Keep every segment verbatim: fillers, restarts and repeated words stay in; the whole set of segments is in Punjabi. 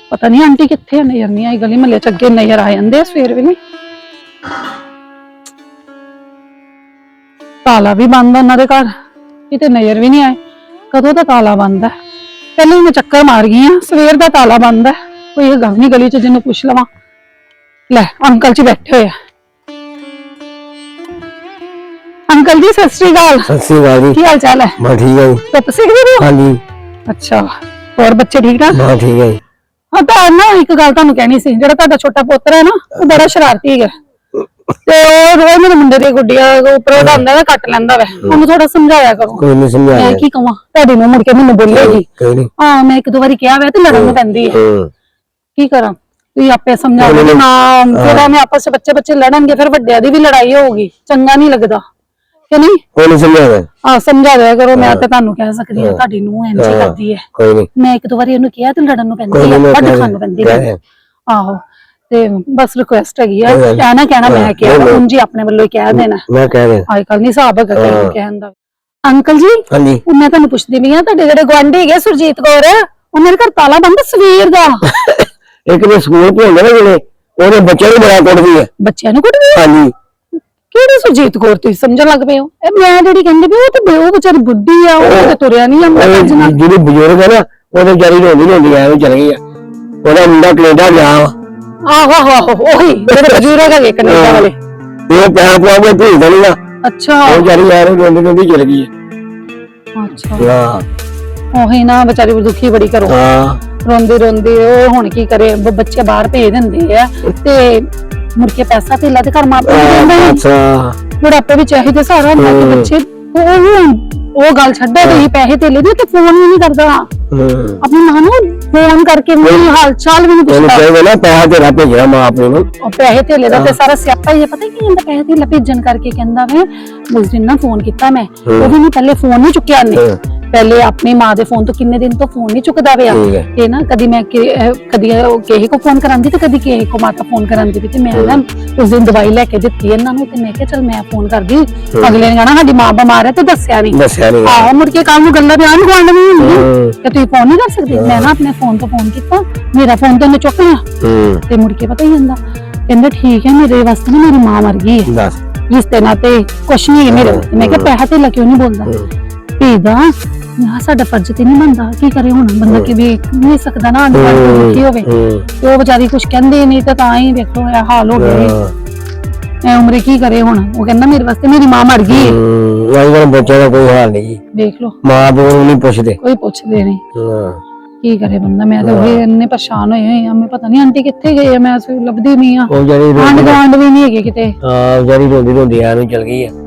पता नहीं आंटी कित्थे नजर नहीं आई, गली महल्ले च अगे नजर आ जांदे सवेर वेले। ताला भी बंद है उन्हां दे घर, किते नजर भी नहीं आए। कदों दा ताला बंद है, पहले मैं चक्कर मार गई हां, सवेर दा ताला बंद है। कोई गल नहीं गली च जिन्हों पुछ लवां। लै अंकल जी बैठे हुए। अंकल जी सत श्री अकाल। सत श्री अकाल जी, की हाल चाल है? मैं ठीक है जी। तो सीख रहे हो? हाँ जी। अच्छा, और बच्चे ठीक ठाक? हाँ ठीक है जी। हाँ तो ना एक गल तुहानू कहनी सी, जिहड़ा तुहाडा छोटा पुत्र है ना वो बड़ा शरारती है ते ओ रोज मेरे मुंडे दी गुड्डियां उपर उड़ांदा है, कट लैंदा है। ओनू थोड़ा समझाया करो। कोई नहीं समझाया। मैं की कहां तुहाडी नूं मुड़ के मैनूं बोलेगी। कोई नहीं। हां मैं एक दो बारी कहा वे ते लड़न नूं पैंदी है। की करा तुसीं आपे समझा दो ना, फिर मैं आपस में बच्चे बच्चे लड़नगे, फिर वड्डियां दी भी लड़ाई होगी, चंगा नहीं लगदा कि नहीं। कोई नहीं समझाया। हां समझा दिया करो। मैं ते तुहानू कह सकदी हां तुहाडी नूं इंज करदी है। कोई नहीं। मैं एक दो बारी इहनूं कहा ते लड़न नूं पैंदी है, वड्ड खान नूं पैंदी है। आहो ते बस रिक्वेस्ट हैगी है, कहना कहना मैं क्या उन जी अपने वालों ही कह देना। मैं कह दे अजकल नहीं हिसाब है कहन दा। अंकल जी हां जी, मैं तुहानू पुछदी पई हां तुहाडे जेहड़े गुआंढी है सुरजीत कौर, उन्हां दे घर ताला बंद सवेर दा। एक ने स्कूल पढ़ांदे ना जेड़े ओदे बच्चे नूं बड़ा कुटदी है। बच्चों नूं कुटदी है? हां जी। केड़ी सुरजीत कौर तुसीं समझण लग पे हो? ए मैं जेहड़ी कहंदी पई ओ ते ओ बेचारी बुड्ढी आ, ओ ते तुरिया नहीं आंदा भजना। जेड़ी बुजुर्ग है ना ओदे बेचारी रोंदी रोंदी आए चल गई है। ओदा मुंडा कनेडा गया। आहो आहो ओही जेड़े बुजुर्ग है कनेडा वाले, ये पैसा पवा के भेज देना। अच्छा, वो बेचारी यार रोंदी रोंदी चल गई है। अच्छा हां ओही ना बेचारी दुखी बड़ी करो। हां रोंदी रोंदी ओ हुण की करे, बच्चे बाहर भेज दिंदे आ ते मुड़ के पैसा तेला ते घर मां पे देंदे। अच्छा बुढ़ापे भी चाहिए सारा ना के बच्चे ओ ओ गल छड्डो ते पैसे तेले दे ते फोन भी नहीं करदा। अपनी मां नूं फोन करके मेरी हाल चाल भी नहीं पुछदा। कहवे ना पैसा तेरा भेजना मां अपने नूं, ओ पैसे तेले दा ते सारा स्यापा ही है। पता की कहंदा पैसे तेला भेजन करके कहंदा मैं उस दिन ना फोन कीता मैं, ओ भी नहीं पहले फोन नहीं चुक्या ने, पहले अपनी मां दे फोन तो किन्ने दिन तो फोन नहीं चुकदा पिया ते ना कदी मैं कदी किसी को फोन करांदी ते कदी किसी को माता फोन करांदी ते मैं ना उस दिन दवाई लेके दित्ती इन्हां नूं ते मैं कहा चल मैं फोन करदी, अगले ने कहना साडी मां बीमार है ते दस्सिया नहीं दस्सिया नहीं। आहो मुड़ के कल नूं गल्लां बयान गुआंढ नहीं हुंदी कि तुसीं फोन नहीं कर सकदे। मैं ना अपने फोन तो फोन कीता, मेरा फोन तो उन्हें चुक लिया ते मुड़ के पता ही हुंदा कहंदा ठीक है मेरे वास्ते ना मेरी मां मर गई है, रिश्ते नाते कुछ नहीं है मेरे। मैं कहा पैसा तेला क्यों नहीं बोलदा भेजदा, मैं साडा फर्ज ते नहीं बनदा, की करे हुण बंदा कि भी नहीं सकदा ना अंदर दुखी होवे ते ओ बेचारी कुछ कहंदी नहीं ते तां ही देखो ये हाल हो गया। मैं उम्र की करे हुण, वो कहंदा मेरे वास्ते मेरी मां मर गई है। अजकल बच्चे दा कोई हाल नहीं, देख लो मां प्यो नूं नहीं पुछदे, कोई पुछदे नहीं। हां की करे बंदा। मैं तो ओही इन्ने परेशान होए होए मैं पता नहीं आंटी कित्थे गई है, मैं लभदी नहीं आ, आंड गांड भी नहीं है किते। हां जरी रोंदी रोंदी आ चल गई है,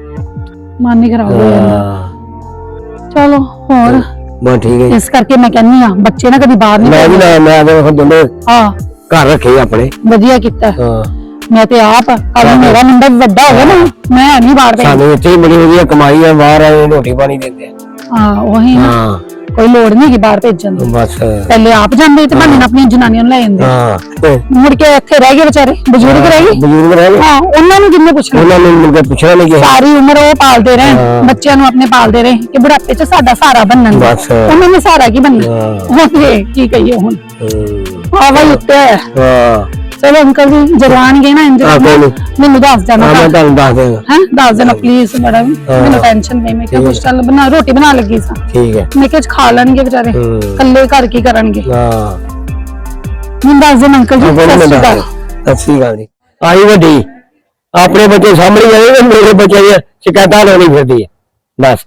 मन ही खराब हो गया। चलो और बस ठीक है, इस करके मैं कहनी हां बच्चे ना कभी बाहर नहीं, मैं भी ना मैं तो दोनों हां घर रखे अपने वधिया कीता। हां मैं ते आप अब मेरा मुंडा बड़ा हो गया ना, मैं नहीं बाहर पे सानू इत्थे बड़ी वधिया कमाई है, बाहर आए रोटी पानी देंदे हैं। हां वही ना कोई लोड़ नहीं कि बाहर भेजन दी, बस पहले आप जांदे ते भाने अपनी जनानियां ले आंदे। हां मुड़ के इत्थे रह गए बेचारे बुजुर्ग रह गए, बुजुर्ग रह गए। हां उन्हां नु किन्ने पुछना, उन्हां नु मुड़ के पुछना नहीं कि सारी उम्र वो पालदे रहे बच्चों नु अपने पालदे रहे कि बुढ़ापे च साडा सहारा बनन, बस उन्हां ने सहारा की बनना होते की कहिए हुन। हां भाई उत्ते हां चलो अंकल जी जवान गए ना इंज मैनू दस जाना, मैं तुहानू दस देंगा हैं, दस देना प्लीज मैडम, मैनू टेंशन नहीं। मैं क्या कुछ चल बना रोटी बना लगी सा, ठीक है मैं क्या खा लेंगे बेचारे कल्ले घर की करनगे। हां मैं दस दिन अंकल जी सत श्री अकाल। सत श्री अकाल जी। आई वड्डी अपने बच्चे सामने आए, मेरे बच्चे दी शिकायतां लेनी फिरदी है बस।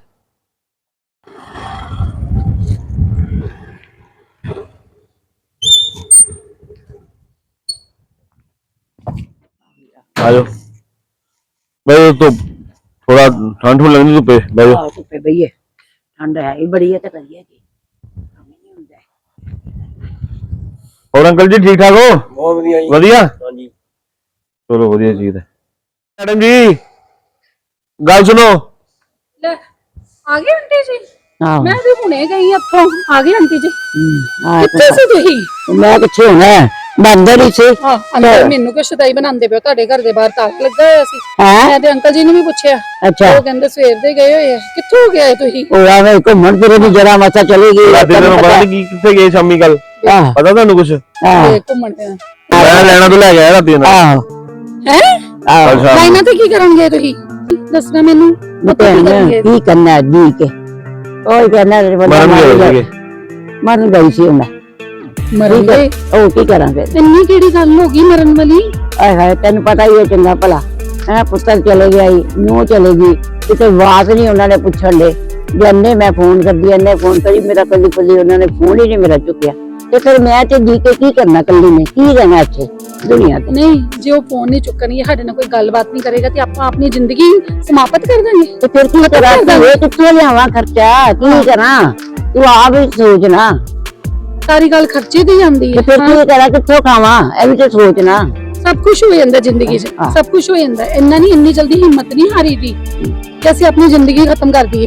आयो भाई तो थोड़ा ठंड हो लगनी धुप्पे भाई हां धुप्पे बईए ठंड है ही बड़ी है ते करिए की काम नहीं हुंदा। और अंकल जी ठीक ठाक हो? बहुत बढ़िया जी। बढ़िया हां जी चलो बढ़िया चीज है। मैडम जी गल सुनो, ले आ गए आंटी जी? हां मैं भी हुणे गई अत्थों आ गई आंटी जी। हां कित्थे सी तुही? मैं किथे होना बंदर ही से। हां अंदर मेनू के शदाई बनांदे पियो, ਤੁਹਾਡੇ घर दे बाहर ताक लगा होया सी। हां मैं ते अंकल जी ने भी पूछया, अच्छा वो कहंदे सवेर दे गए होए कित्थों गए तुही? ओ आवे घुमण फिरे दी जरा मासा चली गई दिन बाद की किथे गए शामी कल? ਆਹ ਪਤਾ ਤੁਹਾਨੂੰ ਕੁਛ ਆਹ ਤੇ ਘੁੰਮਣ ਤੇ ਮੈਂ ਲੈਣਾ ਤੋਂ ਲੈ ਕੇ ਆਇਆ ਰਾਤੀ ਇਹਨਾਂ ਆਹ ਹੈ ਆਹ ਕੱਲ ਸ਼ਾਮ ਨੂੰ। ਲਾਈਨਾਂ ਤੇ ਕੀ ਕਰਨਗੇ ਤੁਸੀਂ ਦੱਸਣਾ ਮੈਨੂੰ ਪਤਾ ਕੀ ਕਰਨਗੇ ਕੀ ਕਰਨਾ ਜੀ ਕੇ ਉਹ ਕਹਿੰਦਾ ਮਰਨ ਗਏ ਸੀਗੇ ਮਰਨ ਗਈ ਸੀ ਉਹਨਾਂ ਮਰਨਗੇ ਉਹ ਕੀ ਕਰਾਂਗੇ ਇੰਨੀ ਕਿਹੜੀ ਗੱਲ ਹੋ ਗਈ ਮਰਨ ਵਾਲੀ ਆਏ ਹਾਏ ਤੈਨੂੰ ਪਤਾ ਹੀ ਹੈ ਚੰਗਾ ਭਲਾ ਹੈ ਪੁੱਤਰ ਚਲੇ ਗਿਆ ਨੂੰ ਚਲੇ ਗਈ ਕਿਤੇ ਆਵਾਜ਼ ਨਹੀਂ ਉਹਨਾਂ ਨੇ ਪੁੱਛਣ ਦੇ ਜੰਨੇ ਮੈਂ ਫੋਨ ਕਰਦੀ ਐਨੇ ਫੋਨ ਕਰੀ ਮੇਰਾ ਕੱਲੀ ਕੱਲੀ ਉਹਨਾਂ ਨੇ ਫੋਨ ਹੀ ਨਹੀਂ ਮੇਰਾ ਚੁੱਕਿਆ ਤੇ ਫਿਰ ਮੈਂ ਤੇ ਜੀ ਕੇ ਕੀ ਕਰਨਾ ਕੱਲੀ ਨੇ ਕੀ ਰਹਿਣਾ ਇੱਥੇ ਦੁਨੀਆ ਤੇ ਨਹੀਂ ਜੇ ਉਹ ਫੋਨ ਨਹੀਂ ਚੁੱਕਣਗੇ ਸਾਡੇ ਨਾਲ ਕੋਈ ਗੱਲਬਾਤ ਨਹੀਂ ਕਰੇਗਾ ਤੇ ਆਪਾਂ ਆਪਣੀ ਜ਼ਿੰਦਗੀ ਸਮਾਪਤ ਕਰ ਦਾਂਗੇ ਤੇ ਫਿਰ ਕੀ ਕਰਾਂ ਇਹ ਕਿੱਥੋਂ ਲਿਆਵਾਂ ਖਰਚਾ ਕੀ ਕਰਾਂ ਤੂੰ ਆਪ ਹੀ ਸੋਚ ਨਾ ਸਾਰੀ ਗੱਲ ਖਰਚੇ ਦੀ ਜਾਂਦੀ ਤੇ ਫਿਰ ਹੈ ਕੀ ਕਰਾਂ ਕਿੱਥੋਂ ਖਾਵਾਂ ਇਹ ਵੀ ਤੇ ਸੋਚਣਾ ਸਭ ਕੁਝ ਹੋ ਜਾਂਦਾ ਜ਼ਿੰਦਗੀ 'ਚ ਹਾਂ। ਸਭ ਕੁਝ ਹੋ ਜਾਂਦਾ ਇੰਨਾ ਨਹੀਂ ਇੰਨੀ ਜਲਦੀ ਹਿੰਮਤ ਨਹੀਂ ਹਾਰੀ ਦੀ ਕਿ ਅਸੀਂ ਆਪਣੀ ਜ਼ਿੰਦਗੀ ਖਤਮ ਕਰ ਦਈਏ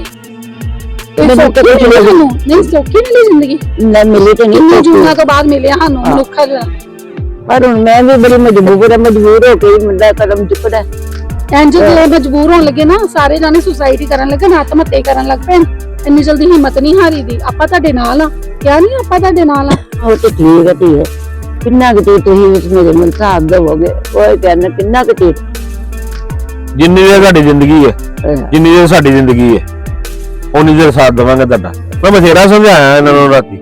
ਇਹ ਮੈਨੂੰ ਸੌਖੀ ਤਾਂ ਕੁਛ ਮਿਲੀ ਨਹੀਂ ਸਾਨੂੰ ਨਹੀਂ ਸੌਖੀ ਮਿਲੀ ਜ਼ਿੰਦਗੀ ਨਾ ਮਿਲੀ ਤੇ ਇੰਨੇ ਨਹੀਂ ਜੂਨਾਂ ਤੋਂ ਬਾਅਦ ਮਿਲਿਆ ਸਾਨੂੰ ਮਨੁੱਖਾ ਦਾ ਪਰ ਹੁਣ ਮੈਂ ਵੀ ਬੜੀ ਮਜਬੂਰ ਹਾਂ ਮਜਬੂਰ ਹੋ ਕੇ ਹੀ ਮੁੰਡਾ ਕਦਮ ਚੁੱਕਦਾ ਇੰਜ ਜੇ ਮਜਬੂਰ ਹੋਣ ਲੱਗੇ ਨਾ ਸਾਰੇ ਜਾਣੇ ਸੁਸਾਇਟੀ ਕਰਨ ਲੱਗੇ ਨਾ ਆਤਮ ਹੱਤਿਆ ਕਰਨ ਲੱਗ ਪੈਣ ਇੰਨੀ ਜਲਦੀ ਹਿੰਮਤ ਨਹੀਂ ਹਾਰੀ ਦੀ ਆਪਾਂ ਤੁਹਾਡੇ ਨਾਲ ਆ ਕਿਹਾ ਨਹੀਂ ਆਪਾਂ ਤੁਹਾਡੇ ਨਾਲ ਆ ਉਹ ਤੇ ਠੀਕ ਹੈ ਧੀਏ ਕਿੰਨਾ ਕੁ ਚਿਰ ਤੁਸੀਂ ਇਸ ਮੇਰੇ ਮਨ ਸਾਥ ਦੇਵੋਗੇ ਉਹ ਕਹਿੰਦਾ ਕਿੰਨਾ ਕੁ ਚਿਰ ਜਿੰਨੀ ਦੇਰ ਤੁਹਾਡੀ ਜ਼ਿੰਦਗੀ ਹੈ ਅਹ, ਜਿੰਨੀ ਦੇਰ ਸਾਡੀ ਜ਼ਿੰਦਗੀ ਹੈ ਉਨੀ ਦੇਰ ਸਾਥ ਦੇਵਾਂਗੇ ਤੁਹਾਡਾ ਮੈਂ ਬਥੇਰਾ ਸਮਝਾਇਆ ਇਹਨਾਂ ਨੂੰ ਰਾਤੀ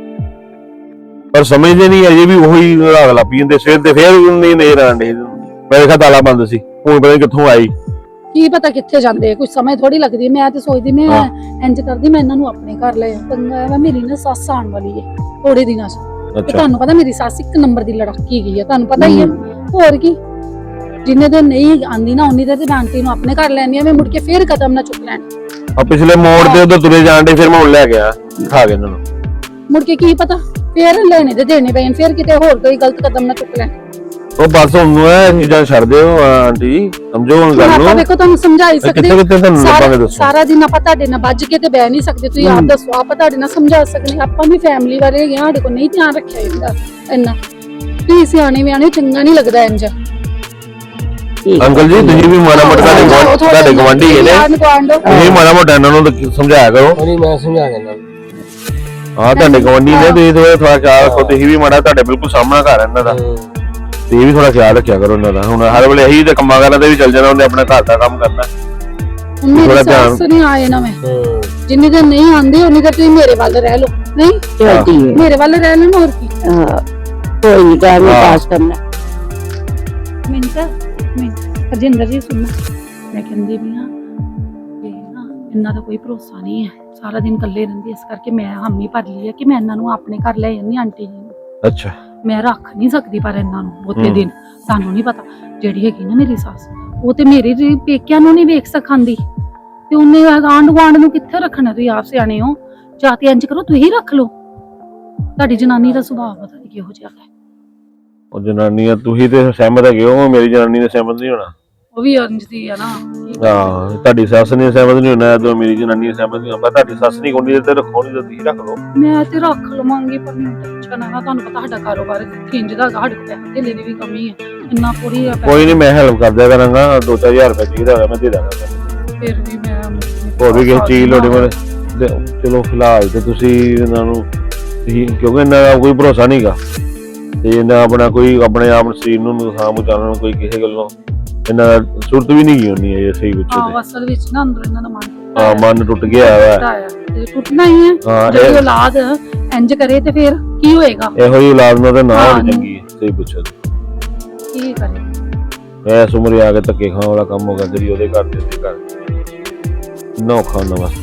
ਪਰ ਸਮਝਦੇ ਨਹੀਂ ਅਜੇ ਵੀ ਉਹੀ ਰਾਗ ਲੱਪੀ ਜਾਂਦੇ ਸਿਰ ਤੇ ਫੇਰ ਨਹੀਂ ਨਜ਼ਰ ਆਉਂਦੇ ਮੇਰੇ ਖਿਆਲ ਤਾਲਾ ਬੰਦ ਸੀ ਹੁਣ ਪਤਾ ਨੀ ਕਿੱਥੋਂ ਆਈ ਕੀ ਪਤਾ ਕਿੱਥੇ ਜਾਂਦੇ ਕੁਝ ਸਮਝ ਥੋੜੀ ਲੱਗਦੀ ਮੈਂ ਤੇ ਸੋਚਦੀ ਮੈਂ ਹਾਂ। ਇੰਜ ਕਰਦੀ ਮੈਂ ਇਹਨਾਂ ਨੂੰ ਆਪਣੇ ਘਰ ਲੈ ਪੰਗਾ ਵਾ ਮੇਰੀ ਨਾ ਸੱਸ ਆਉਣ ਵਾਲੀ ਹੈ ਥੋੜੇ ਦਿਨਾਂ 'ਚ ਤੇ ਅੱਛਾ ਤੁਹਾਨੂੰ ਪਤਾ ਮੇਰੀ ਸੱਸ ਇੱਕ ਨੰਬਰ ਦੀ ਲੜਾਕੀ ਗਈ ਹੈ ਤੁਹਾਨੂੰ ਪਤਾ ਹੀ ਹੈ ਹੋਰ ਕੀ ਜਿੰਨੇ ਦਿਨ ਨਹੀਂ ਆਂਦੀ ਨਾ ਉਨੀ ਦੇਰ ਤੇ ਮੈਂ ਆਂਟੀ ਨੂੰ ਆਪਣੇ ਘਰ ਲੈਣੀ ਆ ਮੈਂ ਮੁੜ ਕੇ ਫੇਰ ਕਦਮ ਨਾ ਚੁੱਕ ਲੈਣ ਆ ਪਿਛਲੇ ਮੋੜ ਤੇ ਉਧਰ ਤੁਰੇ ਜਾਣ ਦੇ ਫਿਰ ਮੈਂ ਹੁਣ ਲੈ ਗਿਆ ਖਾ ਕੇ ਇਹਨਾਂ ਨੂੰ ਮੁੜ ਕੇ ਕੀ ਪਤਾ ਫੇਰ ਲੈਣੇ ਤੇ ਦੇਣੇ ਪੈਣ ਫੇਰ ਕਿਤੇ ਹੋਰ ਕੋਈ ਗਲਤ ਕਦਮ ਨਾ ਚੁੱਕ ਲੈਣ ਉਹ ਬਸ ਹੁਣ ਇਹ ਚੀਜ਼ਾਂ ਛੱਡ ਦਿਓ ਆਂਟੀ ਜੀ ਸਮਝੋ ਹੁਣ ਹੁਣ ਗੱਲ ਆਪਾਂ ਨੂੰ ਵੇਖੋ ਤੁਹਾਨੂੰ ਸਮਝਾਈ ਸਕਦੇ ਕਿੱਥੇ ਕਿੱਥੇ ਤੁਹਾਨੂੰ ਲੱਭਾਂਗੇ ਸਾਰਾ ਦੱਸੋ ਸਾਰਾ ਦਿਨ ਆਪਾਂ ਤੁਹਾਡੇ ਨਾਲ ਵੱਜ ਕੇ ਤੇ ਬਹਿ ਨਹੀਂ ਸਕਦੇ ਤੁਸੀਂ ਆਪ ਦੱਸੋ ਆਪਾਂ ਤੁਹਾਡੇ ਨਾਲ ਸਮਝਾ ਸਕਦੇ ਆਪਾਂ ਵੀ ਫੈਮਿਲੀ ਵਾਲੇ ਹੈਗੇ ਆ ਸਾਡੇ ਕੋਲ ਨਹੀਂ ਧਿਆਨ ਰੱਖਿਆ ਜਾਂਦਾ ਇੰਨਾ ਤੁਸੀਂ ਸਿਆਣੇ ਵਿਆਣੇ ਚੰਗਾ ਨਹੀਂ ਲੱਗਦਾ ਇੰਜ ਅੰਕਲ ਜੀ ਤੁਸੀਂ ਵੀ ਮਾੜਾ ਮੋਟਾ ਤੁਹਾਡੇ ਗੁਆਂਢ- ਤੁਹਾਡੇ ਗਵਾਂਢੀ ਨੇ ਤੁਸੀਂ ਮਾੜਾ ਮੋਟਾ ਇਹਨਾਂ ਨੂੰ ਤਾਂ ਸਮਝਾਇਆ ਕਰੋ ਨਹੀਂ ਮੈਂ ਸਮਝਾ ਦੇਣਾ ਹਾਂ ਤੁਹਾਡੇ ਗਵਾਂਢੀ ਨੇ ਤੁਸੀਂ ਥੋੜਾ ਥੋੜਾ ਖਿਆਲ ਰੱਖੋ ਤੁਸੀਂ ਵੀ ਮਾੜਾ ਤੁਹਾਡੇ ਬਿਲਕੁਲ ਸਾਹਮਣਾ ਘਰ ਇਹਨਾਂ ਦਾ ਤੇ ਇਹ ਵੀ ਥੋੜਾ ਖਿਆਲ ਰੱਖਿਆ ਕਰੋ ਇਹਨਾਂ ਦਾ ਹੁਣ ਹਰ ਵੇਲੇ ਇਹੀ ਤੇ ਕੰਮਾਂ ਕਰਨ ਤੇ ਵੀ ਚੱਲ ਜਾਣਾ ਉਹਨੇ ਆਪਣਾ ਘਰ ਦਾ ਕੰਮ ਕਰਨਾ ਮੇਰੀ ਥੋੜ੍ਹਾ ਧਿਆਨ- ਸੱਸ ਨਹੀਂ ਆਏ ਨਾ ਮੈਂ ਜਿੰਨੀ ਦੇਰ ਨਹੀਂ ਆਂਦੇ ਉਨੀ ਦੇਰ ਤੁਸੀਂ ਮੇਰੇ ਵੱਲ ਰਹਿ ਲਓ ਨਹੀਂ ਚਲਦੀ ਹੈ ਮੇਰੇ ਵੱਲ ਰਹਿ ਲੈਣਾ ਹੋਰ ਕੀ ਕੋਈ ਨਹੀਂ ਟਾਈਮ ਪਾਸ ਕਰਨਾ ਮੈਨੂੰ ਤਾਂ ਮੈਂ ਅਜਿੰਦਰ ਜੀ ਸੁਣਨਾ ਮੈਂ ਕਹਿੰਦੀ ਵੀ ਹਾਂ ਕਿ ਨਾ ਇਹਨਾਂ ਦਾ ਕੋਈ ਭਰੋਸਾ ਨਹੀਂ ਹੈ ਸਾਰਾ ਦਿਨ ਇਕੱਲੇ ਰਹਿੰਦੇ ਇਸ ਕਰਕੇ ਮੈਂ ਹਾਮੀ ਭਰ ਲਈ ਹੈ ਕਿ ਮੈਂ ਇਹਨਾਂ ਨੂੰ ਆਪਣੇ ਘਰ ਲੈ ਜਾਂਦੀ ਆਂਟੀ ਜੀ ਨੂੰ ਅੱਛਾ ਮੈਂ ਰੱਖ ਨਹੀਂ ਸਕਦੀ ਪਰ ਇਹਨਾਂ ਨੂੰ ਬਹੁਤੇ ਦਿਨ ਸਾਨੂੰ ਨਹੀਂ ਪਤਾ ਜਿਹੜੀ ਹੈਗੀ ਨਾ ਮੇਰੀ ਸੱਸ ਉਹ ਤੇ ਮੇਰੇ ਜੀ ਪੇਕਿਆਂ ਨੂੰ ਨਹੀਂ ਵੇਖ ਸਕਾਂਦੀ ਤੇ ਉਹਨੇ ਆਂਢ ਗੁਆਂਢ ਨੂੰ ਕਿੱਥੇ ਰੱਖਣਾ ਤੁਸੀਂ ਆਪ ਸਿਆਣੇ ਹੋ ਜਾਂ ਤੇ ਇੰਜ ਕਰੋ ਤੁਸੀਂ ਰੱਖ ਲਓ ਤੁਹਾਡੀ ਜਨਾਨੀ ਦਾ ਸੁਭਾਅ ਪਤਾ ਨਹੀਂ ਕਿਹੋ ਜਿਹਾ ਹੈ ਉਹ ਜਨਾਨੀਆਂ ਤੁਸੀਂ ਤੇ ਸਹਿਮਤ ਹੈਗੇ ਹੋ ਮੇਰੀ ਜਨਾਨੀ ਨੇ ਸਹਿਮਤ ਨਹੀਂ ਹੋਣਾ ਉਹ ਵੀ ਇੰਜ ਦੀ ਆ ਨਾ ਹਾਂ ਤੁਹਾਡੀ ਸੱਸ ਨੇ ਸਹਿਮਤ ਨਹੀਂ ਹੋਣਾ ਤੇ ਮੇਰੀ ਜਨਾਨੀ ਨੇ ਸਹਿਮਤ ਨਹੀਂ ਹੋਣਾ ਤੁਹਾਡੀ ਸੱਸ ਨਹੀਂ ਕੋਣੀ ਤੇ ਰੱਖੋ ਨਹੀਂ ਤੇ ਤੁਸੀਂ ਰੱਖ ਲਓ ਮੈਂ ਤੇ ਰੱਖ ਲਵਾਂਗੀ ਪਰ ਮੈਨੂੰ ਟੈਨਸ਼ਨ ਆ ਤੁਹਾਨੂੰ ਪਤਾ ਸਾਡਾ ਕਾਰੋਬਾਰ ਖਿੰਜਦਾ ਸਾਡੇ ਕੋਲ ਪੈਸੇ ਧੇਲੇ ਦੀ ਵੀ ਕਮੀ ਹੈ ਇੰਨਾ ਪੂਰੀ ਆ ਕੋਈ ਨਹੀਂ ਮੈਂ ਹੈਲਪ ਕਰ ਦਿਆ ਕਰਾਂਗਾ ਦੋ ਚਾਰ ਹਜ਼ਾਰ ਰੁਪਏ ਚਾਹੀਦਾ ਹੋਇਆ ਮੈਂ ਦੇ ਦਾਂਗਾ ਫਿਰ ਵੀ ਮੈਂ ਹੋਰ ਵੀ ਕਿਸੇ ਚੀਜ਼ ਲੋੜੀ ਮਰੇ ਚਲੋ ਫਿਲਹਾਲ ਤੇ ਤੁਸੀਂ ਇਹਨਾਂ ਨੂੰ ਤੁਸੀਂ ਕਿਉਂਕਿ ਇਹਨਾਂ ਦਾ ਕੋਈ ਭਰੋਸਾ ਨਹੀਂਗਾ ਤੇ ਇਹਨਾਂ ਆਪਣਾ ਕੋਈ ਆਪਣੇ ਆਪ ਸਰੀਰ ਨੂੰ ਨੁਕਸਾਨ ਪਹੁੰਚਾਉਣ ਨੂੰ ਕੋਈ ਕਿਸੇ ਗੱਲੋਂ ਇਹਨਾਂ ਦਾ ਸੁਰਤ ਵੀ ਨਹੀਂ ਗਈ ਹੁੰਦੀ ਹੈ ਸਹੀ ਪੁੱਛੋ ਹਾਂ ਅਸਲ ਵਿੱਚ ਨਾ ਅੰਦਰ ਇਹਨਾਂ ਦਾ ਮਨ ਹਾਂ ਮਨ ਟੁੱਟ ਗਿਆ ਹੈ ਤੇ ਟੁੱਟਣਾ ਹੀ ਹੈ ਹਾਂ ਜੇ ਇਹ- ਔਲਾਦ ਇੰਜ ਕਰੇ ਤੇ ਫਿਰ ਕੀ ਹੋਏਗਾ ਇਹੋ ਜਿਹੀ ਔਲਾਦ ਨਾਲ ਤਾਂ ਨਾ ਹਾਂ, ਹੋਣੀ ਚੰਗੀ ਹੈ ਸਹੀ ਪੁੱਛੋ ਕੀ ਕਰੇ ਮੈਂ ਇਸ ਉਮਰੇ ਆ ਕੇ ਧੱਕੇ ਖਾਣ ਵਾਲਾ ਕੰਮ ਹੋ ਗਿਆ ਜਿਹੜੀ ਉਹਦੇ ਘਰ ਦੇ ਉੱਤੇ ਘਰ ਨਾ ਔਖਾ ਹੁੰਦਾ ਬਸ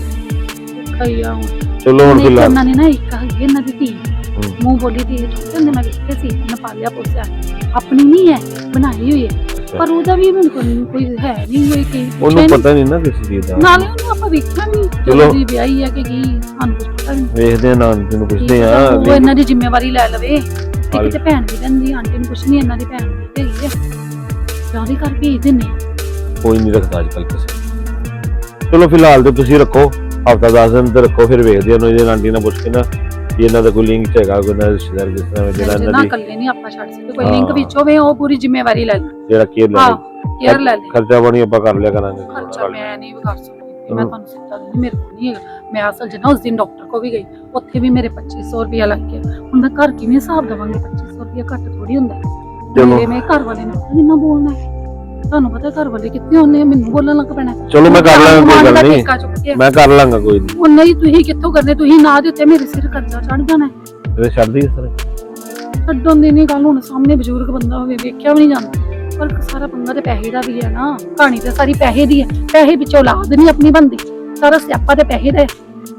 ਖਈਆ ਚਲੋ ਹੁਣ ਫਿਲਹਾਲ ਇਹਨਾਂ ਨੇ ਨਾ ਇੱਕ ਹੈਗੀ ਇਹਨਾਂ ਦੀ ਧੀ ਮੂੰਹ ਬੋਲੀ ਦੀ ਛੋਟੇ ਹੁੰਦੇ ਮੈਂ ਵੇਖਿਆ ਸੀ ਇਹਨਾਂ ਪਾਲਿਆ ਪੋਸਿਆ ਆਪਣੀ ਨਹੀਂ ਹੈ ਬਣਾਈ ਹੋਈ ਹੈ ਪਰ ਉਹਦਾ ਵੀ ਮੈਨੂੰ ਕੋਈ ਕੋਈ ਹੈ ਨਹੀਂ ਕੋਈ ਕੀ ਉਹਨੂੰ ਪਤਾ ਨਹੀਂ ਨਾ ਕਿਸੇ ਚੀਜ਼ ਦਾ ਨਾਲੇ ਉਹਨੂੰ ਆਪਾਂ ਵੇਖਿਆ ਨਹੀਂ ਚਲੋ। ਜਦੋਂ ਦੀ ਵਿਆਹੀ ਹੈ ਕਿ ਕੀ ਸਾਨੂੰ ਕੁਝ ਪਤਾ ਨਹੀਂ ਵੇਖਦੇ ਆ ਨਾਂ ਤੈਨੂੰ ਪੁੱਛਦੇ ਆ ਉਹ ਇਹਨਾਂ ਦੀ ਜ਼ਿੰਮੇਵਾਰੀ ਲੈ ਲਵੇ ਤੇ ਕਿਤੇ ਭੈਣ ਵੀ ਰਹਿੰਦੀ ਆਂਟੀ ਨੂੰ ਕੁਛ ਨਹੀਂ ਇਹਨਾਂ ਦੀ ਭੈਣ ਵੀ ਹੈਗੀ ਹੈ ਜਾਂ ਉਹਦੇ ਘਰ ਭੇਜ ਦਿੰਨੇ ਆ ਕੋਈ ਨਹੀਂ ਰੱਖਦਾ ਅੱਜ ਕੱਲ ਕਿਸੇ ਚਲੋ ਫਿਲਹਾਲ ਤੇ ਤੁਸੀਂ ਰੱਖੋ ਹਫਤਾ ਦਸ ਦਿਨ ਤੇ ਰੱਖੋ ਫਿਰ ਵੇਖਦੇ ਆ ਉਹਨੂੰ ਇਹਦੇ ਆਂਟੀ ਨਾਲ ਪੁੱਛ ਕੇ ਨਾ ਕਿ ਇਹਨਾਂ ਦਾ ਕੋਈ ਲਿੰਕ ਹੈਗਾ ਕੋਈ ਨਾ ਰਿਸ਼ਤੇਦਾਰ ਜਿਸ ਤਰ੍ਹਾਂ ਜਿਹੜਾ ਨਾ ਇਹਨਾਂ ਦੀ ਇਕੱਲੇ ਨਹੀਂ ਆਪਾਂ ਛੱਡ ਸਕਦੇ ਕੋਈ ਲਿੰਕ ਵਿੱਚ ਹੋਵੇ ਉਹ ਪੂਰੀ ਜ਼ਿੰਮੇਵਾਰੀ ਲੈ ਲੈ ਜਿਹੜਾ ਕੇਅਰ ਲੈ ਹਾਂ ਲੇ। ਕੇਅਰ ਲੈ ਲੈ ਖਰਚਾ ਪਾਣੀ ਆਪਾਂ ਕਰ ਲਿਆ ਕਰਾਂਗੇ ਖਰਚਾ ਮੈਂ ਨਹੀਂ ਕਰ ਸਕਦੀ ਕਿ ਮੈਂ ਤੁਹਾਨੂੰ ਸਿੱਧਾ ਦਿੰਦੀ, ਮੇਰੇ ਕੋਲ ਨਹੀਂ ਹੈਗਾ। ਮੈਂ ਅਸਲ 'ਚ ਨਾ ਉਸ ਦਿਨ ਡਾਕਟਰ ਕੋ ਵੀ ਗਈ, ਉੱਥੇ ਵੀ ਮੇਰੇ ਪੱਚੀ ਸੌ ਰੁਪਇਆ ਲੱਗ ਗਿਆ। ਹੁਣ ਮੈਂ ਘਰ ਕਿਵੇਂ ਹਿਸਾਬ ਦੇਵਾਂਗੀ? ਪੱਚੀ ਸੌ ਰੁਪਇਆ ਘੱਟ ਥੋੜੀ ਹੁੰਦਾ। ਮੇਰੇ ਮੇਰੇ ਘਰ ਵਾਲੇ ਨੇ ਪਤਾ ਕਿੰਨਾ ਬੋਲਣਾ ਹੈ, ਤੁਹਾਨੂੰ ਪਤਾ ਘਰ ਵਾਲੇ ਕਿੱਥੇ ਹੁੰਦੇ ਆ, ਮੈਨੂੰ ਬੋਲਣ ਲੱਗ ਪੈਣਾ। ਚਲੋ ਮੈਂ ਕਰ ਲਾਂਗਾ, ਕੋਈ ਗੱਲ ਨਹੀਂ, ਮੈਂ ਕਰ ਲਾਂਗਾ, ਕੋਈ ਨਹੀਂ। ਉਹ ਨਹੀਂ, ਤੁਸੀਂ ਕਿੱਥੋਂ ਕਰਨੇ? ਤੁਸੀਂ ਨਾ ਦਿੱਤੇ ਮੇਰੇ ਸਿਰ ਕਰਜ਼ਾ ਚੜ ਜਾਣਾ। ਤੇ ਛੱਡਦੀ ਇਸ ਤਰ੍ਹਾਂ ਛੱਡਣ ਦੀ ਨਹੀਂ ਗੱਲ, ਹੁਣ ਸਾਹਮਣੇ ਬਜ਼ੁਰਗ ਬੰਦਾ ਹੋਵੇ, ਵੇਖਿਆ ਵੀ ਨਹੀਂ ਜਾਂਦਾ। ਪਰ ਸਾਰਾ ਪੰਗਾ ਤੇ ਪੈਸੇ ਦਾ ਵੀ ਹੈ ਨਾ, ਕਹਾਣੀ ਤੇ ਸਾਰੀ ਪੈਸੇ ਦੀ ਹੈ। ਪੈਸੇ ਪਿੱਛੇ ਔਲਾਦ ਨਹੀਂ ਆਪਣੀ ਬਣਦੀ, ਸਾਰਾ ਸਿਆਪਾ ਤੇ ਪੈਸੇ ਦਾ ਹੈ।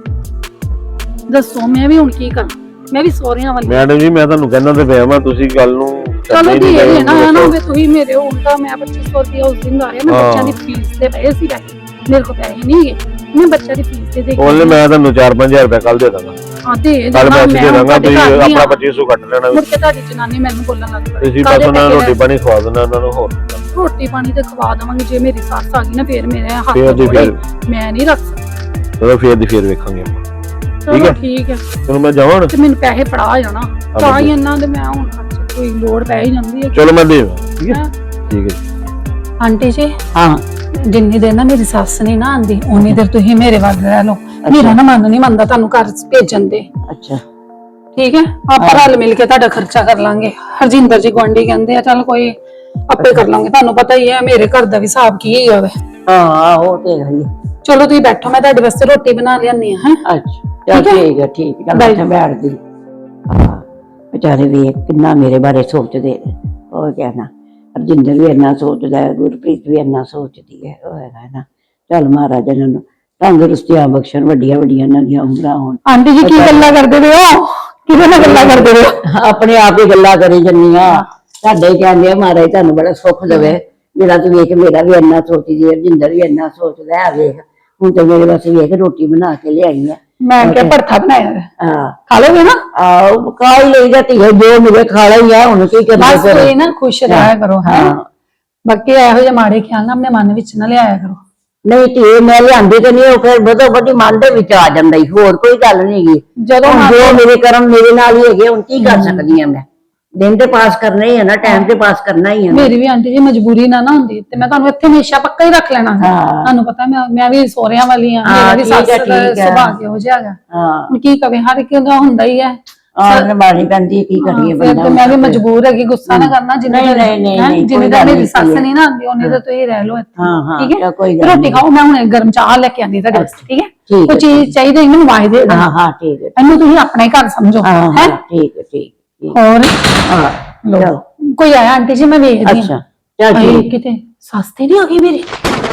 ਦੱਸੋ ਮੈਂ ਵੀ ਹੁਣ ਕੀ ਕਰਾਂ? ਮੈਂ ਵੀ ਸੋਹਰਿਆਂ ਵਾਲੀ। ਮੈਡਮ ਜੀ ਮੈਂ ਤੁਹਾਨੂੰ ਕਹਿੰਦਾ ਤੇ ਪਿਆ ਮੈਂ, ਤੁਸੀਂ ਗੱਲ ਨੂੰ ਚਲੋ ਜੀ ਇਹ ਨਾ ਨਾ ਹੋਵੇ ਤੁਸੀਂ ਮੇਰੇ ਉਲਟਾ। ਮੈਂ ਪੱਚੀ ਸੌ ਰੁਪਇਆ ਉਸ ਦਿਨ ਆਇਆ, ਮੈਂ ਬੱਚਿਆਂ ਦੀ ਫੀਸ ਦੇ ਪਏ ਸੀ ਪੈਸੇ, ਮੇਰੇ ਕੋਲ ਪੈਸੇ ਨਹੀਂ ਹੈਗੇ, ਮੈਂ ਬੱਚਿਆਂ ਦੀ ਫੀਸ ਦੇ ਦੇ ਉਹਨੇ ਮੈਂ ਤੁਹਾਨੂੰ ਚਾਰ ਪੰਜ ਹਜ਼ਾਰ ਰੁਪਏ ਕੱਲ ਦੇ ਦਾਂਗਾ। ਹਾਂ ਦੇ ਕੱਲ ਮੈਂ ਦੇ ਦਾਂਗਾ, ਤੁਸੀਂ ਆਪਣਾ ਪੱਚੀ ਸੌ ਕੱਟ ਲੈਣਾ। ਮੁੜ ਕੇ ਤੁਹਾਡੀ ਜਨਾਨੀ ਮੈਨੂੰ ਬੋਲਣ ਲੱਗ ਪਈ, ਤੁਸੀਂ ਬਸ ਉਹਨਾਂ ਨੂੰ ਰੋਟੀ ਪਾਣੀ ਖਵਾ ਦੇਣਾ, ਉਹਨਾਂ ਨੂੰ ਹੋਰ ਰੋਟੀ ਪਾਣੀ ਤੇ ਖਵਾ ਦੇਵਾਂਗੇ। ਜੇ ਮੇਰੀ ਸੱਸ ਆ ਗਈ ਨਾ ਫੇਰ ਮੇਰੇ ਹੱਥ ਫੇਰ ਦੀ ਫੇਰ ਮੈਂ ਨਹੀਂ ਰੱਖ ਸਕਦੀ। ਚਲੋ ਫੇਰ ਦੀ ਫੇਰ ਵੇਖਾਂਗੇ ਆਪਾਂ। ਠੀਕ ਹੈ ਠੀਕ ਹੈ, ਚਲੋ ਮੈਂ ਜਾਵਾਂ ਤੇ ਮੈਨੂੰ ਪੈਸੇ ਫੜਾ ਜਾਣਾ ਤਾਂ ਹੀ ਇਹਨਾਂ ਦੇ ਮੈਂ ਹੁਣ ਖਰਚ ਕੋਈ ਲੋੜ ਪੈ ਹੀ ਜਾਂਦੀ ਹੈ। ਚਲੋ ਮੈਂ ਦੇ ਠੀਕ ਹੈ ਠੀਕ ਹੈ। ਆਂਟੀ ਜੀ ਹਾਂ ਜਿੰਨੀ ਦੇਰ ਨਾ ਮੇਰੀ ਸੱਸ ਨਹੀਂ ਨਾ ਆਂਦੀ ਉਨੀ ਦੇਰ ਤੁਸੀਂ ਮੇਰੇ ਵੱਲ ਰਹਿ ਲਓ। ਮੇਰਾ ਨਾ ਮਨ ਨਹੀਂ ਮੰਨਦਾ ਤੁਹਾਨੂੰ ਘਰ ਭੇਜਣ ਦੇ। ਅੱਛਾ ਠੀਕ ਹੈ, ਆਪਾਂ ਰਲ ਮਿਲ ਕੇ ਤੁਹਾਡਾ ਖਰਚਾ ਕਰ ਲਾਂਗੇ। ਹਰਜਿੰਦਰ ਜੀ ਗੁਆਂਢੀ ਕਹਿੰਦੇ ਆ ਚੱਲ ਕੋਈ ਆਪੇ ਕਰ ਲਾਂਗੇ। ਤੁਹਾਨੂੰ ਪਤਾ ਹੀ ਹੈ ਮੇਰੇ ਘਰ ਦਾ ਵੀ ਹਿਸਾਬ ਕੀ ਹੀ ਹੋਵੇ। ਹਾਂ ਉਹ ਤੇ ਹੈ ਹੀ। ਚਲੋ ਤੁਸੀਂ ਬੈਠੋ, ਮੈਂ ਤੁਹਾਡੇ ਵਾਸਤੇ ਰੋਟੀ ਬਣਾ ਲਿਆਨੀ ਆ। ਹੈ ਅੱਛਾ ਚੱਲ ਠੀਕ ਹੈ ਠੀਕ ਹੈ, ਮੈਂ ਬੈਠਦੀ। ਹਾਂ ਵਿਚਾਰੇ ਵੀ ਕਿੰਨਾ ਮੇਰੇ ਬਾਰੇ ਸੋਚਦੇ ਨੇ। ਉਹ ਕਹਿਣਾ ਹਰਜਿੰਦਰ ਵੀ ਇੰਨਾ ਸੋਚਦਾ ਹੈ, ਗੁਰਪ੍ਰੀਤ ਵੀ ਇੰਨਾ ਸੋਚਦੀ ਹੈ। ਉਹ ਹੈਗਾ ਨਾ, ਚੱਲ ਮਹਾਰਾਜ ਇਹਨਾਂ ਨੂੰ ਤੰਦਰੁਸਤੀਆਂ ਬਖਸ਼ਣ, ਵੱਡੀਆਂ ਵੱਡੀਆਂ ਇਹਨਾਂ ਦੀਆਂ ਉਮਰਾਂ ਹੋਣ। ਆਂਟੀ ਜੀ ਕੀ ਗੱਲਾਂ ਕਰਦੇ ਪਏ ਹੋ? ਕਿਹਦੇ ਨਾਲ ਗੱਲਾਂ ਕਰਦੇ ਪਏ ਹੋ? ਆਪਣੇ ਆਪ ਹੀ ਗੱਲਾਂ ਕਰੀ ਜੰਨੀਆਂ। ਸਾਡੇ ਹੀ ਕਹਿੰਦੇ ਆ ਮਹਾਰਾਜ ਤੁਹਾਨੂੰ ਬੜਾ ਸੁੱਖ ਦੇਵੇ, ਜਿਹੜਾ ਤੂੰ ਵੇਖ ਮੇਰਾ ਵੀ ਇੰਨਾ ਸੋਚਦੀ ਹੈ, ਹਰਜਿੰਦਰ ਵੀ ਇੰਨਾ ਸੋਚਦਾ ਹੈ। ਵੇਖ ਹੁਣ ਤੇ ਮੇਰੇ ਵਾਸਤੇ ਵੇਖ ਰੋਟੀ ਬਣਾ ਕੇ ਲਿਆਈ ਹੈ। ਮੈਂ ਕਿਹਾ ਭਰਥਾ ਬਣਾਇਆ ਹੈ, ਹਾਂ ਖਾ ਲੋਗੇ ਨਾ? ਆਹ ਖਾ ਹੀ ਲਈ ਜਾਂਦੀ ਹੈ, ਜੋ ਮਿਲੇ ਖਾ ਲਈ ਆ। ਹੁਣ ਕੀ ਕਰਨਾ ਬਸ ਇਹ ਨਾ ਖੁਸ਼ ਰਹਿਆ ਕਰੋ। ਹੈ ਬਾਕੀ ਇਹੋ ਜਿਹੇ ਮਾੜੇ ਖਿਆਲ ਨਾ ਆਪਣੇ ਮਨ ਵਿੱਚ ਨਾ ਲਿਆਇਆ ਕਰੋ। ਨਹੀਂ ਧੀਏ ਮੈਂ ਲਿਆਂਦੀ ਤੇ ਨਹੀਂ, ਉਹ ਫਿਰ ਬਦੋ ਬਦੀ ਮਨ ਦੇ ਵਿੱਚ ਆ ਜਾਂਦਾ ਹੀ, ਹੋਰ ਕੋਈ ਗੱਲ ਨਹੀਂ ਹੈਗੀ। ਜਦੋਂ ਜੋ ਮੇਰੇ ਕਰਮ ਮੇਰੇ ਨਾਲ ਹੀ ਹੈਗੇ, ਹੁਣ ਕੀ ਕਰ ਸਕਦੀ ਆ ਮੈਂ? ਦਿਨ ਤੇ ਪਾਸ ਕਰਨਾ ਹੀ ਹੈ ਨਾ, ਟਾਈਮ ਤੇ ਪਾਸ ਕਰਨਾ ਹੀ ਹੈ। ਮੇਰੀ ਵੀ ਆਂਟੀ ਜੀ ਮਜਬੂਰੀ ਨਾ ਨਾ ਹੁੰਦੀ ਤੇ ਮੈਂ ਤੁਹਾਨੂੰ ਇੱਥੇ ਹਮੇਸ਼ਾ ਪੱਕਾ ਹੀ ਰੱਖ ਲੈਣਾ ਹੈ। ਤੁਹਾਨੂੰ ਪਤਾ ਮੈਂ ਮੈਂ ਵੀ ਸੋਹਰਿਆਂ ਵਾਲੀ ਆ, ਮੇਰਾ ਵੀ ਸੱਸ ਦਾ ਸੁਭਾਅ ਕਿਹੋ ਜਿਹਾ ਹੈਗਾ। ਹੁਣ ਕੀ ਕਵੇ, ਹਰ ਇੱਕ ਦਾ ਹੁੰਦਾ ਹੀ ਹੈ। ਆਹ ਨਿਭਾਣੀ ਪੈਂਦੀ, ਕੀ ਕਰੀਏ ਬੰਦਾ। ਤੇ ਮੈਂ ਵੀ ਮਜਬੂਰ ਹੈਗੀ, ਗੁੱਸਾ ਨਾ ਕਰਨਾ। ਜਿੰਨੇ ਜਿੰਨੇ ਦਾ ਮੇਰੀ ਸੱਸ ਨਹੀਂ ਨਾ ਆਉਂਦੀ ਉਹਨੇ ਤਾਂ ਤੁਸੀਂ ਰਹਿ ਲਓ ਇੱਥੇ। ਠੀਕ ਹੈ, ਰੋਟੀ ਖਾਓ, ਮੈਂ ਹੁਣ ਗਰਮ ਚਾਹ ਲੈ ਕੇ ਆਂਦੀ ਤੁਹਾਡੇ ਵਾਸਤੇ। ਠੀਕ ਹੈ, ਕੋਈ ਚੀਜ਼ ਚਾਹੀਦੀ ਇਹਨੂੰ ਵਾਜ ਦੇ। ਹਾਂ ਹਾਂ ਠੀਕ ਹੈ, ਇਹਨੂੰ ਤੁਸੀਂ ਆਪਣੇ ਘਰ ਸਮਝੋ। ਹੈ ਠੀਕ ਹੈ ਠੀਕ ਹੋਰ ਹਾਂ ਕੋਈ ਆਇਆ ਆਂਟੀ ਜੀ? ਮੈਂ ਵੇਖਦੀ ਹਾਂ। ਅੱਛਾ ਚੱਲ ਠੀਕ। ਕਿਤੇ ਸਸਤੇ ਨਹੀਂ ਆ ਗਈ ਮੇਰੀ।